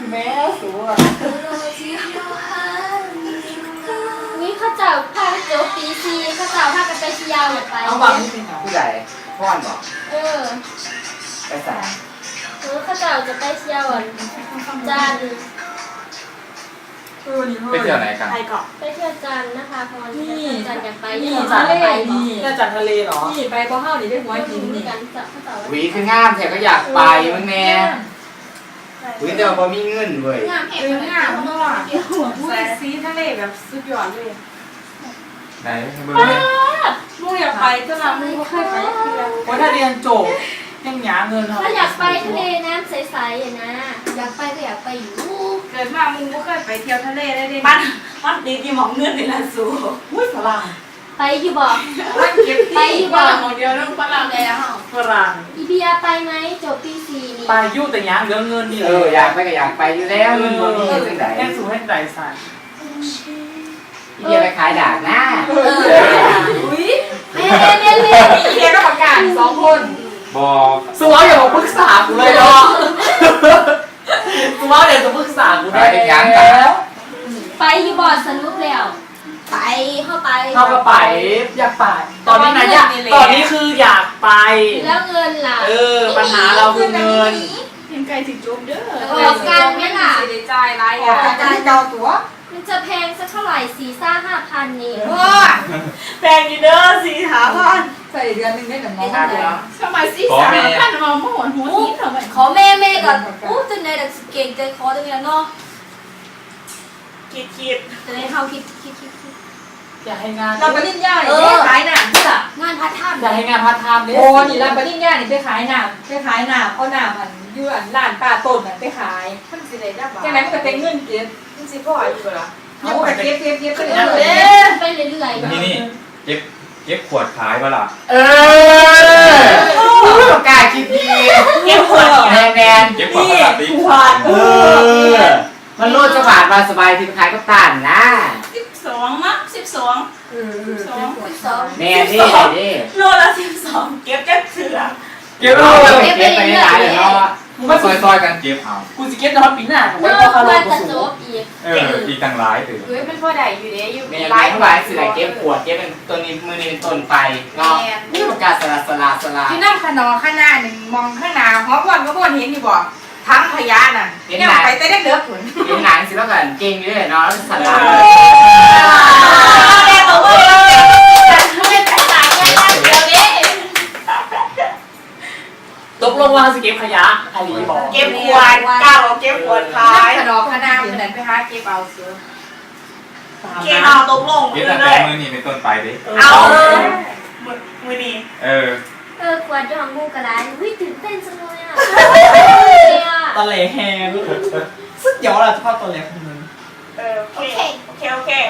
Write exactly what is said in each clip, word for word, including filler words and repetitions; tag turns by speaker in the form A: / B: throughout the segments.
A: แม่สวย
B: นี่ข้าเจ้าพาไปเจอปีซีข้าเจ้าพากันไปเที่ยวอยากไป
A: เอาบังนี่เป็นผู้ใหญ่พ่อนบอก
B: เออ
A: ไปใส่
B: เออข้าเจ้าจะไปเที่ยวจัน
C: ไปเที่ยวไหนกัน
B: ไปเที่ยวจันนะคะพอที่จันอยากไป
A: นี่จันทะเลนี่จันทะเลเหรอ
D: นี่ไปเพราะเฮานี่ได้หัวหินนี่
B: กันจะข้าเจ้า
C: หวีคืองามแถก็อยากไปมึงแน่หวีแต่ว่าพอมีเงินเว้ย
D: งามเองงามมากหัวผู้ซีทะเลแบบสุดยอดเลย
C: ไหนเบิ่ง
D: มึงอยากไปก็นะมึงก็เคยไปเที่ยว
A: ว่าถ้าเรียนจบยังหาเงิน
B: ถ้าอยากไปทะเลน้ำใสๆอย่างนะอยากไปก็อยากไปอยู่
D: เกิดมามึงก็เคยไปเที่ยวทะเลได้ดิ
A: มันมันดีที่มองเงินในร้านสูอุ้ยฝรั่ง
B: ไปอยู่บ่
D: ไปอยู่บ่ของเดียวต้องฝรั่งเลยนะฮะ
A: ฝรั่ง
B: อีเบียไปไหมจบปีสี่นี่
A: ไปยุ่แต่ยังเหลือเงินนี่
C: เอออยากไปก็อยากไปอยู่แล้วเงินบ่มีจังได๋
A: แค่สูให้ใจสั่น
C: อีเบียไปขายดาบนะ
D: อุ้ย
B: เรียนเรียนเรียน
D: เรียนต้องประกาศสองคน
C: บอก
A: สวอย่ามาปรึกษากูเลยเนาะสวอย่าจะปรึกษากูได้
C: ยังแล้ว
B: ไปอยู่บ่สนุกแล้วไปเข้าไป
A: เข้าก็ไปอยากไปตอนนี้นะอยากตอนนี้คืออยากไป
B: แล้วเงินล่ะ
A: เออปัญหาเราคือเงิน
D: ยังไกลถึงจุ๊บเด้อ
B: ออกกันไหมล่ะ
D: ใจร้ายอ่ะ
A: ใจเจ้าตัว
B: มันจะแพงสักเท่าไหร่สี่ซ่าห้าพันนี่
D: โอ้
A: แพงอยู่เด้อสี่หาพัน
D: ใส่เดือนนึงได้หนึ่งร้อย
A: ทำไมสี่สามพันมาหมดหัวนี้ทำไม
B: ขอแม่แม่ก่อนอู้จนในดักเก่งใจคอจังเลยเนาะ
A: คิดคิด
B: จะได้เท่าคิดคิดคิด
A: อยากให้งาน
D: รับปริญญาเนี่ยขายหนังจ้ะ
B: งานพาร์ทไทม์
A: อยากให้งานพาร์ทไทม์เนี่ย
D: โอ้นี่รับปริญญาเนี่ยไปขายหนังไปขายหนังเอาหนังมันยื่นร้านป้าต้นไปขายมันสิได้ได้บ้างจังไหนมันก็เป็นเงินเก็บมันสิพ่ออยู่ละยังไปเก็บเก็บเก็บไปเรื่อย
B: ไปเรื่อย
C: ๆนี่นี่เก็บเก็บขวดขายป่ะล่ะ
A: เอ
C: อกล้าคิดดี
A: เก็บขวด
C: แนนแนน
A: เก็บขวดขวดเออ
C: มันโลดจะบาดมาสบายที่ขายก็ต้านนะ
D: สิบสองมั้งสิบสอง
A: เออ
D: สองสิบสอง
C: แน่นี่นี่
D: โลละสิบสองเก็บจักเสือ
C: เก็บโลเก็บไปหลายเลยเนาะมาซอยๆกันเก็บเอา
A: กูจะเก็บนอนปีหน้าผม
B: ไม่
A: พอ
B: คาร์โล
A: กู
B: สูง
C: เอออีกตั้งหลายตื่น
D: เฮ้ยเป็นพ่อใดอยู่เด้อยู่
C: หลายเท่าไหร่สิหลายเก็บขวดเก็บเป็นตัวนี้มือนี้เป็นต้นไปเนาะนี่ประกาศสลาสลาสลา
D: ที่นั่งขนอข้างหน้าหนึ่งมองข้างหน้าหัวพ่อนก็พ่อนเห็นอยู่บ่ทั้งพยาน่ะเนี่ยไปแต่ได้เด้อผล
C: เห็นหนังสิแล้วกันเก่งอยู่เลยเนาะสลา
D: แม่บอกว่าไม่ใช่สายแค่เดียวนี้
A: ตกลงว่าจะเก็บขยะอาลีบอก
D: เก็บขวดก้าวเก็บขวดขายขนมขนาดเหมือนไปหาเก็บเอาเสือเก็บเอาตกลง
C: เก็บตั้งแต่มือนี้เป็นต้นไปดิ
D: เอามือนี้
C: เออ
B: เออขวดดองมูกระไรวิ่งตื่นเต้นจังเลยอ่ะ
A: ตะเลแฮงสุดยอดเลยชอบตะเลคนนึง
D: เออโอเคโอเคโอเค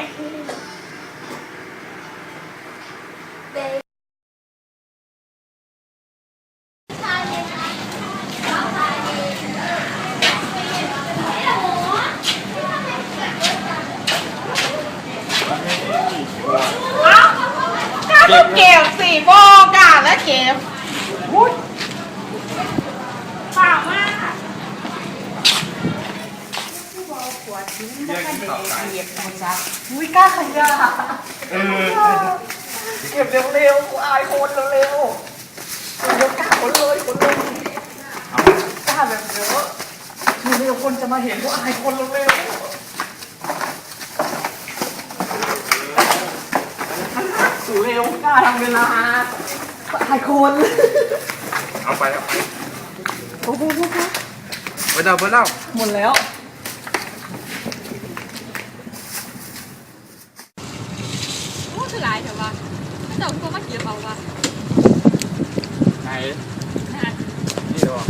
D: ก็เก็บสี่โบกาแล้วเก็บเปล่ามากขวดทิ้งก็ไม่ได้เก็บนะจ๊ะอุ้ยกล้าขยะ
C: เออ
A: เก็บเร็วๆกูอายคนเร็วๆเร็วกล้าคนเลยคนเลยกล้าแบบเยอะเร็วคนจะมาเห็นกูอายคนเร็วสูเร็วกล้าทำเวลาหายคน
C: เอาไปเอาไป
A: โอ้โห
C: ไปเดาไปเล่า
A: หมดแล้ว
D: โอ้คือหลายแต่ว่าเจ้าตัวมาเกี่ยวเอาว่ะ
C: ไหนนี่ดู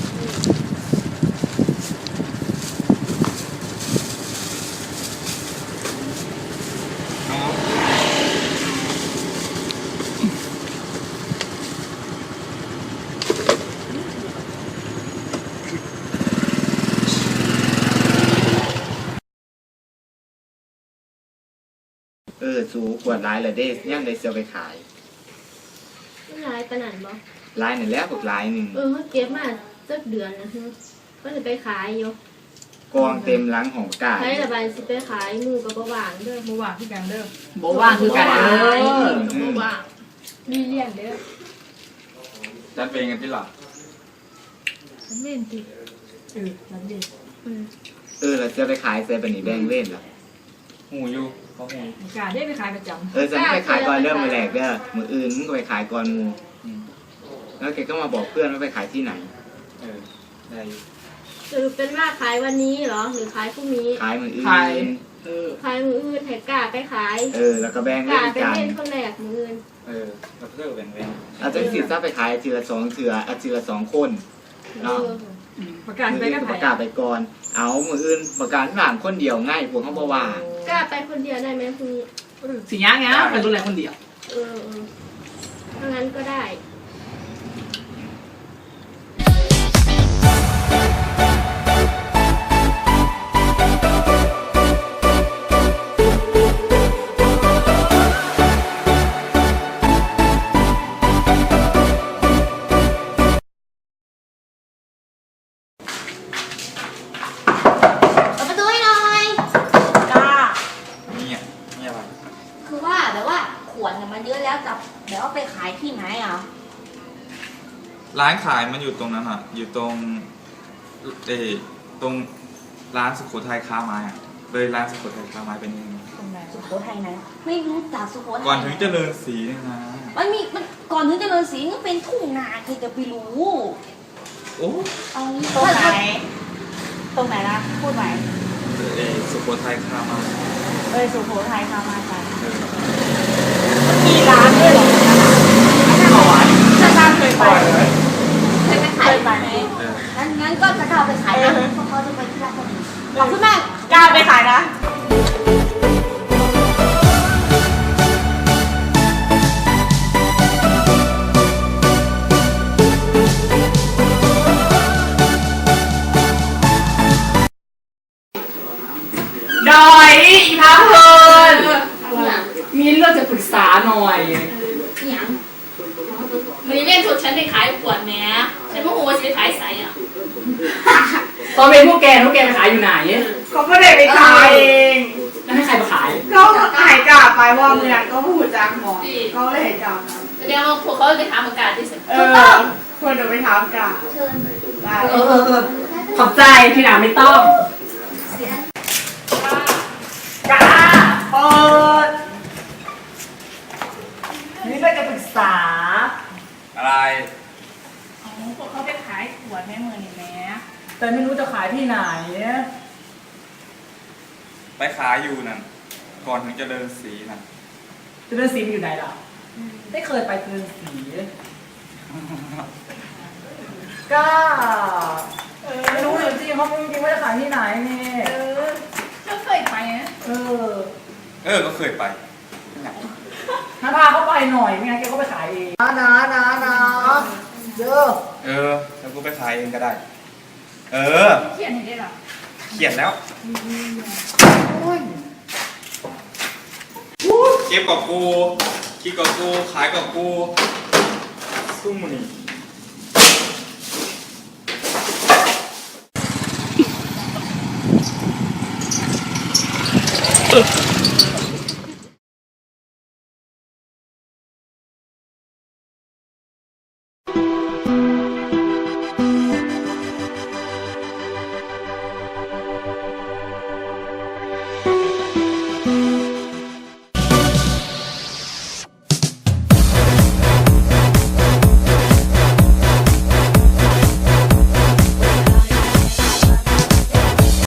C: เออสูขวดร้ายเลยเด้ยังได้เสียไปขาย
B: ร้ายขนาดบ่
C: ร้ายหนึ่งแล้วกับร้ายหนึ่ง
B: เออเก็บมาสักเดือนนะฮะก็จะไปขายอยู่
C: กองเต็มหลังของกา
B: ใช้ระบายสิไปขายหมูกับบ่หวานเด้อ
D: หมู่ว่างที่กันเด้อ
A: โบว่างคือกันเด้อ
B: บ่หวาน
D: มีเลี้ยงเด้อ
E: จัดเป็นกันที่หลัง
D: เล่นติเออนั่นเอง
C: เออเราจะไปขายเซเป็นนี่แบงเล่นเหรอ
E: หูอยู่เขาหู
D: กาได้ไปขายประจำ
C: เออจะไม่ไปขายก่อนเริ่มมือแรกเด้อมืออื่นมึงก็ไปขายก่อนมู
E: อืม
C: แล้วแกก็มาบอกเพื่อนว่าไปขายที่ไหน
E: เออได้อยู่
B: สรุปเป็นว่าขายวันนี้เหรอหรือขายพรุ่งนี้
C: ขายมืออื่
A: ขาย
C: น
A: เออ
B: ขายมืออื่นให้กล้าไปขาย
C: เออแล้วก็แบง
B: ก
C: เล่
B: ล้าน ไป
C: กัน
B: เล่นคนแรกมืออื่น
E: เออแล้วเพื่อเป็นเว้น
C: อาจจะสิถ้าไปขายทีละสองเถื่ออาทีละสองคน
B: เอ
C: เนาะ
B: อ
D: ประกาศ
C: มือ
D: ไป
C: อื่
D: ก็
C: นป
D: ขาย
C: ระกาศไปก่อน เอามืออื่นประกาศหลังคนเดียวง่ายพวกเขาบอกว่า
B: กล้าไปคนเดียวได้ไหมพรุ่งนี้
A: สีย่างเงี้ยเป็นดูแลคนเดียว
B: เออเออถ้างั้นก็ได้ เปิดประตูให้หน่อย
A: กล้า
E: เนี่ยเนี่ยอะไร
F: คือว่าแบบว่าขวดเนี่ยมันเยอะแล้วจะเดี๋ยวเอาไปขายที่ไหนอ่ะ
E: ร้านขายมันอยู่ตรงนั้นอ่ะ อยู่ตรงเออตรงร้านสุโขทัยค้าไม้อ่ะเลยร้านสุโขทัยค้าไม้เป็นยังไง
D: ตรงไหน
F: สุโขทัยไหนไม่รู้จักสุโขทัย
E: ก่อนถึงเจริญศรีเนี่ยนะ
F: มันมีมันก่อนถึงเจริญศรีนี่เป็นทุ่งนาใครจะไปรู้
E: โอ้
F: เอางี้
G: ตรงไหน
F: ถ้า
G: ตรงไหนนะ พูดใหม่
E: เออสุโขทัยค้าไม้
G: เอ้ย สุโขทัยค่ะมาค่ะ
E: เออ
G: มีร้านด้วยเหรอ
A: เอาไว้
G: ถ้าร้านเคยไป
F: จะไป
G: เค
F: ขาย
G: ยไป
F: ไห
G: ไห
F: ม
G: ม
E: เออ
F: งั้นงั้นก็จะเอาไปขายนะเพราะเขาจะไปที่ราชบุรีขอบคุณมาก
G: กล้าไปขายนะ
A: ดอยอีพาเพลิน
B: อย่าง
A: มีเรื่องจะปรึกษาหน่อย
B: อย่าง
H: มันเล่นชุดฉันไปขายขวดแหม้ฉันโมโหว่าฉันไปขายใสอ่ะ
A: ตอนเป็นพวกแกพวกแกไปขายอยู่ไหน
G: ก็ไม่ได้ไปขายเอง
A: แล้วให้ใครมาขาย
G: ก็ขายกลับไปว่าเมืองก็พูดจางหมอก็เลยให้กลับนะ
H: แสดงว่าพวกเขาไปถามอากาศที่สุด
G: เออควรจะไปถามกลับ
F: เชิญ
G: ได้
A: เออเออเออขอบใจที่หนาไม่ต้อง
F: เสีย
A: กล้า
G: เปิด
A: นี่เรื่องจะปรึกษา
E: อะไร
G: อ๋อพวกเขาไปขายขวดแม่เมืองนี่แม่
A: แต่ไม่รู้จะขายที่ไหน
E: ไปขายอยู่นั่นก่อนถึงเจริญศรีนั่น
A: เจริญศรีมันอยู่ไหนล่ะไม่เคยไปเจริญศรีก็ไม่รู้จริงๆเขาไม่จริงว่าจะขายที่ไหนนี่
G: เออ
H: ฉันเคยไปนะ
A: เออ
E: เออก็เคยไป
A: ถ้าพาเขาไปหน่อยไม่งั้นแกก็ไปขายเองนะนะนะนะเด้อ
E: เออแล้วกูไปขายเองก็ได้ เออ
H: เขียนให้ได้หรอ
E: เขียนแล้ว เก็บกับกูคิดกับกู ขายกับกูซุ่มนี่